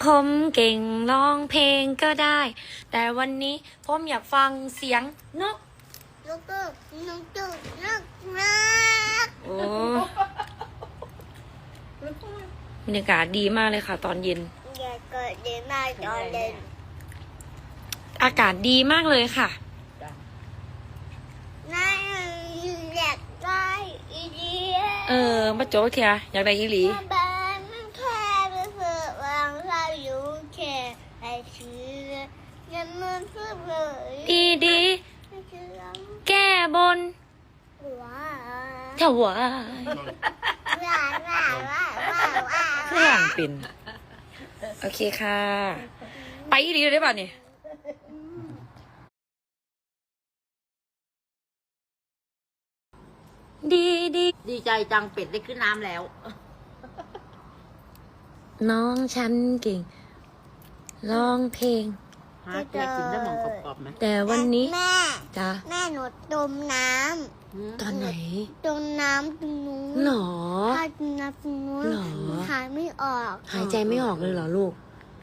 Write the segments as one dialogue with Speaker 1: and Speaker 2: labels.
Speaker 1: ผมเก่งร้องเพลงก็ได้ แต่วันนี้ผมอยากฟังเสียงนก
Speaker 2: นก
Speaker 1: โอ้บรรยากาศดีมากเลยค่ะ ตอนเย็น
Speaker 2: อย่าเกิดดีมากตอนเย็น
Speaker 1: อากาศดีมากเลยค่ะ
Speaker 2: น่าอยากได้อีเดีย
Speaker 1: มาโจ๊กเทียอยากได้อีหลี
Speaker 2: บ้านแค่ไปเพื่อวางเราอยู่แค่ไอ้เชื่อยังมันเพื่อเลย
Speaker 1: ดีดี แก้บน
Speaker 2: ว้า
Speaker 1: ถวาย
Speaker 2: ว้าว้าว้าว้า
Speaker 1: เครื่องเป็น โอเคค่ะ ไปอีหลีเลยได้ป่ะเนี่ยดีดี
Speaker 3: ดีใจจังเป็ดได้ขึ้นน้ำแล้ว
Speaker 1: น้องฉันเก่งร้องเพลง
Speaker 3: ฮะแกกินได้หมองกรอบๆไหม
Speaker 1: แต่วันนี้
Speaker 2: แม่
Speaker 1: จ้ะ
Speaker 2: แม่หนูจมน้
Speaker 1: ตอนไหน
Speaker 2: ำจมน้ำตรงนู้น
Speaker 1: หรอ
Speaker 2: ถ้าจมน้ำตรงนู้น
Speaker 1: หรอ
Speaker 2: หายไม่ออก
Speaker 1: หายใจไม่ออกเลยเหรอลูก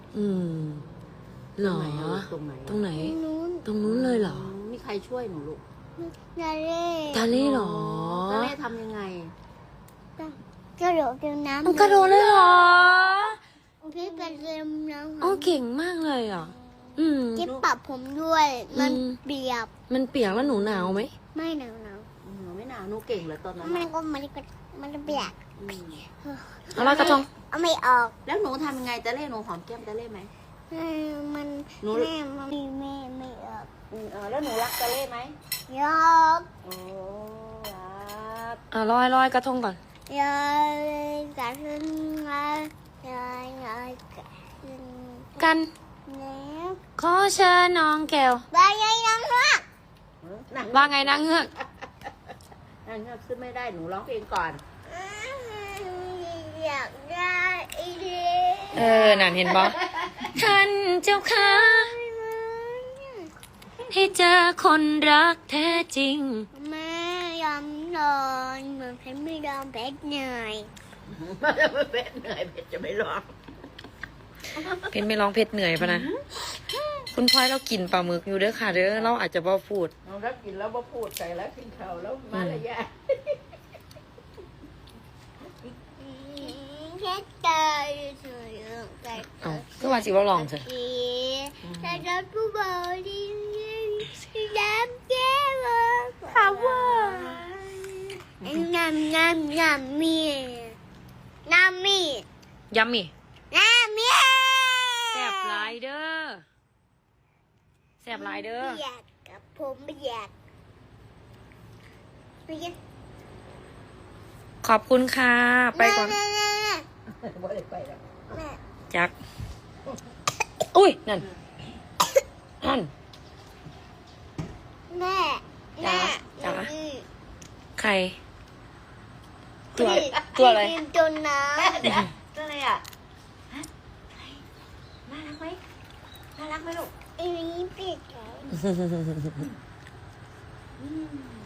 Speaker 1: หรอ
Speaker 3: ตรงไหน
Speaker 1: ตรงไหน
Speaker 2: นู้น
Speaker 1: ตรงนู้นเลยเหรอ
Speaker 3: มีใครช่วยหนูลูก
Speaker 2: ทะเล
Speaker 1: ทะเลเหรอ
Speaker 3: ทะเลทำยังไง
Speaker 2: กระโดดจมน้ำ
Speaker 1: มันกระโดดเลยเหรอ
Speaker 2: พี่ไปเรียนน้ำ
Speaker 1: โอ้เก่งมากเลยอ่ะ
Speaker 2: จิ๊บปรับผมด้วย มัน
Speaker 1: อืม
Speaker 2: เปียก
Speaker 1: มันเปียกแล้วหนูหนาวไหม
Speaker 2: ไม่หนาว
Speaker 3: หนูไม่หนาวหนูเก่งเหรอตอนนั้น
Speaker 2: มัน
Speaker 3: น่ะ
Speaker 2: ก็มันเปียก
Speaker 3: อืม
Speaker 1: เอาลอยกระทง
Speaker 2: เอาไม่ออก
Speaker 3: แล้วหนูทำยังไงจะเล่หนูหอมแก้มจะเล่ไหม
Speaker 2: มัน
Speaker 3: หนู
Speaker 2: แม่ไม่ออก
Speaker 3: แล้วหนูรักจะเล่ไหม
Speaker 2: ยอก
Speaker 3: โอ้รัก
Speaker 1: เอาลอยกระทงก่อน
Speaker 2: ยอยกระขึ้นมายอยกระขึ้น
Speaker 1: กัน
Speaker 2: แล้ว
Speaker 1: ขอเชิญน้องแก้ว
Speaker 2: บายายน้องรัก
Speaker 3: นั่ง
Speaker 1: ว่าไงนางเงือก
Speaker 3: นั่งเงือกขึ้นไม่ได้หนูร้องเพลงก่อน
Speaker 2: อยากได้อีเดีย
Speaker 1: นั่นเห็นบ่ท่านเจ้าค่ะให้เจอคนรักแท้จริง
Speaker 2: แม่ยอมนอนเหมือนเพชรไม่ยอมเพชรเหนื่อย
Speaker 3: เป็ดเหนื่อยเป็ดจะไม่ร้อง
Speaker 1: เพชรไม่ร้องเพชรเหนื่อยปะนะ คุณพลอยเรากินปลาหมึกอยู่เด้อค่ะเด้อเราอาจจะบ่พูด
Speaker 3: เรารับกินแล้วมาพูดใส่แล้วกินข้าวแล้วมาละยะ
Speaker 2: เพชรตายสวยแต่
Speaker 1: เอาก็ว่าสิว่าลองเถอะ
Speaker 2: แต่เราผู้บริสุทธิ์น้ำแก้วค่ะว่าน้ำมีน้ำมี
Speaker 1: ยัมมี่
Speaker 2: น้ำมี
Speaker 1: แซ่บหลายเด้อแซ่บหลายเด้อ
Speaker 2: ไม่อยากกับผมไม่อยากไม่อยาก
Speaker 1: ขอบคุณค่ะ ไปก่อน
Speaker 3: บ่ได้ไปแล้ว
Speaker 2: แม่
Speaker 1: จัก อุ้ย นั่น นั่น
Speaker 2: แม่
Speaker 1: จ๋าจ๋า
Speaker 2: อืม
Speaker 1: ใคร ตัวอะไร
Speaker 2: พี่จนน้ำ
Speaker 3: เดี๋ยวตัวอะไรอ่ะฮะน่ารักไหมน่ารักไหมลูก
Speaker 2: อันนี้ปิดแล้ว
Speaker 3: อืม